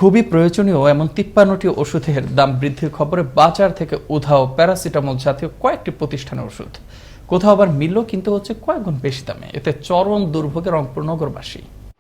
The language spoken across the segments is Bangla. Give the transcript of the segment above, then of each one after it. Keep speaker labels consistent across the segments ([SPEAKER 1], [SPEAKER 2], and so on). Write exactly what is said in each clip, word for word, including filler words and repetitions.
[SPEAKER 1] খুবই প্রয়োজনীয় এমন তিপ্পান্নটি ওষুধের দাম বৃদ্ধির খবরে বাজার থেকে উধাও প্যারাসিটামল জাতীয় কয়েকটি প্রতিষ্ঠানের ওষুধ। কোথাও আবার মিলল কিন্তু হচ্ছে কয়েক গুণ বেশি দামে। এতে চরম দুর্ভোগে রংপুর নগরবাসী।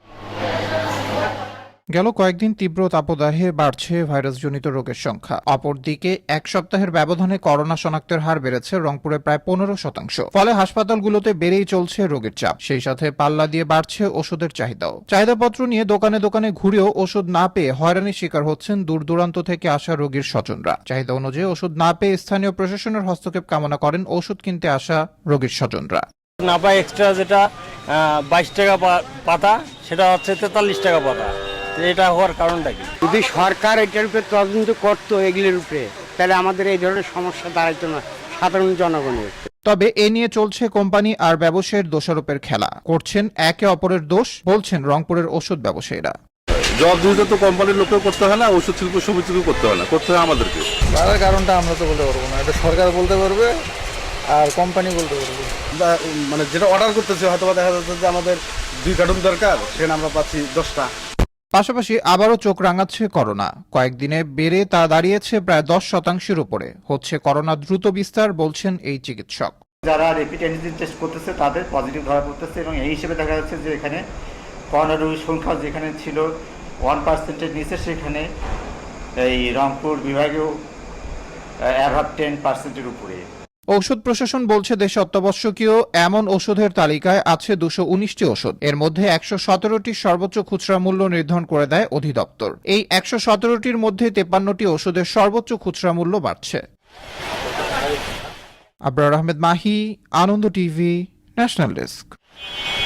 [SPEAKER 2] গেল কয়েকদিন তীব্র তাপদাহে বাড়ছে ভাইরাসজনিত রোগের সংখ্যা। অপরদিকে এক সপ্তাহের ব্যবধানে করোনা শনাক্তের হার বেড়েছে রংপুরে প্রায় পনেরো শতাংশ। ফলে হাসপাতালগুলোতে বেড়েই চলছে রোগের চাপ। সেই সাথে পাল্লা দিয়ে বাড়ছে ওষুধের চাহিদাও। চাহিদাপত্র নিয়ে দোকানে দোকানে ঘুরেও ওষুধ না পেয়ে হয়রানির শিকার হচ্ছেন দূর দূরান্ত থেকে আসা রোগীর স্বজনরা। চাহিদা অনুযায়ী ওষুধ না পেয়ে স্থানীয় প্রশাসনের হস্তক্ষেপ কামনা করেন ওষুধ কিনতে আসা রোগীর স্বজনরা।
[SPEAKER 3] না পাই এক্সট্রা যেটা বাইশ টাকা পাতা, সেটা হচ্ছে তেতাল্লিশ টাকা পাতা। এটা হওয়ার কারণটা কি?
[SPEAKER 4] যদি সরকার এটার উপরে তদন্ত করতো এগুলির উপরে, তাহলে আমাদের এই ধরনের সমস্যা দাঁড়াইতো না সাধারণ জনগণের।
[SPEAKER 2] তবে এ নিয়ে চলছে কোম্পানি আর ব্যবসায়ীর দোষারোপের খেলা। করছেন একে অপরের দোষ, বলছেন রংপুরের ওষুধ ব্যবসায়ীরা।
[SPEAKER 5] জবাবদিহিতা তো কোম্পানির লোককেও করতে হয় না, ওষুধ শিল্প সমিতিকেও করতে হয় না, করতে হয় আমাদেরকে।
[SPEAKER 6] তার কারণটা আমরা তো বলতে পারবো না, এটা সরকার বলতে পারবে আর কোম্পানি বলতে পারবে।
[SPEAKER 5] মানে যেটা অর্ডার করতেছে হয়তো দেখা যাচ্ছে যে আমাদের দুই কার্টুন দরকার, সেখানে আমরা পাচ্ছি দশটা।
[SPEAKER 2] পাশাপাশি আবারও চোখ রাঙাচ্ছে করোনা। কয়েকদিনে বেড়ে তা দাঁড়িয়েছে প্রায় দশ শতাংশের উপরে। হচ্ছে করোনা দ্রুত বিস্তার, বলছেন এই চিকিৎসক।
[SPEAKER 7] যারা র্যাপিড অ্যান্টিজেন টেস্ট করতেছে তাদের পজিটিভ ধরা পড়তেছে এবং এই হিসেবে দেখা যাচ্ছে যে এখানে করোনা রোগীর সংখ্যা যেখানে ছিল ওয়ান পার্সেন্টের নিচে, সেখানে এই রংপুর বিভাগেও অ্যাভাব টেন পার্সেন্টের উপরে।
[SPEAKER 2] ঔষধ প্রশাসন বলছে দেশে অত্যাবশ্যকীয় এমন ওষুধের তালিকায় আছে দুশো উনিশটি ওষুধ। এর মধ্যে একশো সতেরোটি সর্বোচ্চ খুচরা মূল্য নির্ধারণ করে দেয় অধিদপ্তর। এই একশো সতেরোটির মধ্যে তেপান্নটি ওষুধের সর্বোচ্চ খুচরা মূল্য বাড়ছে। Abrar Ahmed Mahi, Ananda TV, national desk.